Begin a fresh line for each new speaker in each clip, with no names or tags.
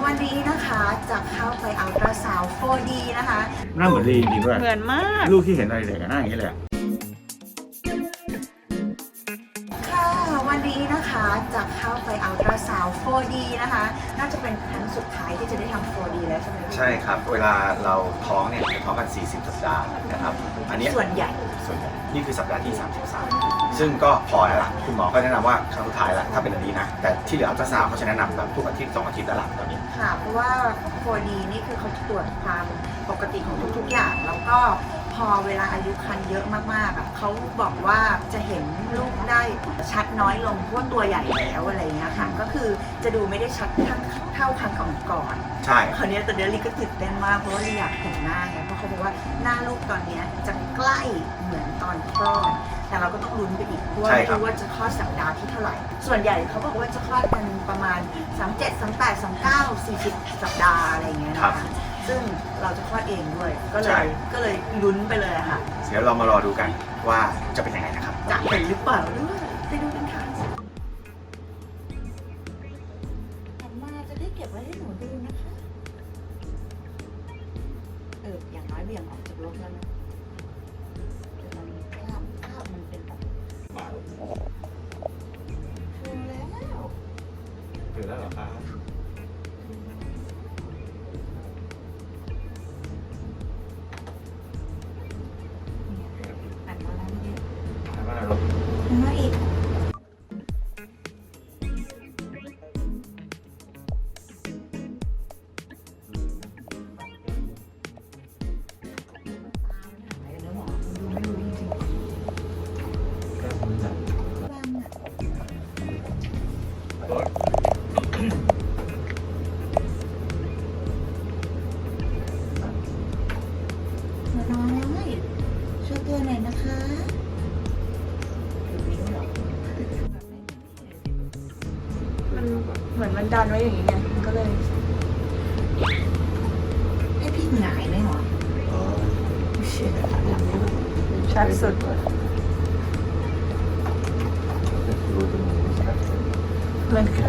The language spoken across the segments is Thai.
วันนี้นะคะจะเข้าไปอัลตราซาวด์ 4D นะคะ
หน้าเหมือนลีจริงๆด้วย
เหมือนมาก
ลูกที่เห็นอะไรเด็กหน้าอย่างนี้เลย
ค่ะวันนี้นะคะจะเข้าไปอัลตราซาวด์ 4D นะคะน่าจะเป็นครั้งสุดท้ายที่จะได้ทำ 4D แล้วใช่ไหม
ใช่ครับ เวลาเราท้องเนี่ยจะท้องกัน 40 สัปดาห์นะครับ อันนี้
ส่วนใหญ่
นี่คือสัปดาห์ที่ 33 ซึ่งก็พอแล้วล่ะ คุณหมอก็แนะนำว่าครั้งสุดท้ายแล้วถ้าเป็นอันนี้นะ แต่ที่เหลืออัลตราซาวด์เขาจะแนะนำแบบทุกอาทิตย์2 อาทิตย์แล้วล่ะตอนนี้
ค่ะเพราะว่า 4D นี่คือเขาจะตรวจความปกติของทุกๆอย่าง แล้วก็พอเวลาอายุครรภ์เยอะมากๆอ่ะเขาบอกว่าจะเห็นลูกได้ชัดน้อยลงเพราะว่าตัวใหญ่แล้วอะไรเงี้ยค่ะก็คือจะดูไม่ได้ชัดเท่าครั้งก่อนๆ
ใช่
คราวนี้แต่เดลี่ก็ตื่นเต้นมากเพราะว่าอยากเห็นหน้าไงเพราะเขาบอกว่าหน้าลูกตอนนี้จะใกล้เหมือนตอนคลอดแต่เราก็ต้องลุ้นไปอีกเพราะว่าไม่รู้ว่าจะคลอดสัปดาห์ที่เท่าไหร่ส่วนใหญ่เขาบอกว่าจะคลอดกันประมาณ37 38 39 40 สัปดาห์อะไรเงี้ยนะคะซึ่งเราจะคลอดเองด้วยก็เลยลุ้นไปเลยอะค่ะ
เดี๋ยวเรามารอดูกันว่าจะเป็นยังไงนะครับ
จะเห็นหรือเปล่าด้วยไปดูกันค่ะหันมาจะได้เก็บไว้ให้หนูดูนะคะอย่างน้อยเบี่ยงออกจากรถแล้วนะเดี๋ยวมันภาพมันเป็นแบบถึงแล้ว
ถึงแล้วเหรอครับ
หันมาแล้วเนี่ย
ถามว่าเรา
หันมาอีกน้อยช่วยตัวหน่อยนะคะมันเหมือนมันดันไว้อย่างนี้ไงมันก็เลยให้พี่หงายไหมหรอชัดสุดเหมือนใคร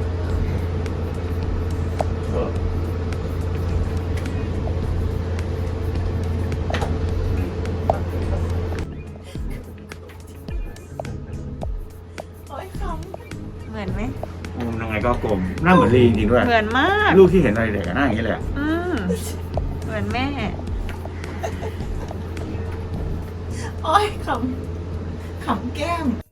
เหมือนไหม
มุมยังไงก็กลมหน้าเหมือนลีจริงๆด้วย
เหมือนมาก
ลูกที่เห็นอะไรเด็กหน้าอย่างนี้เลย
เหมือนแม่โอ้ยขำแก้ม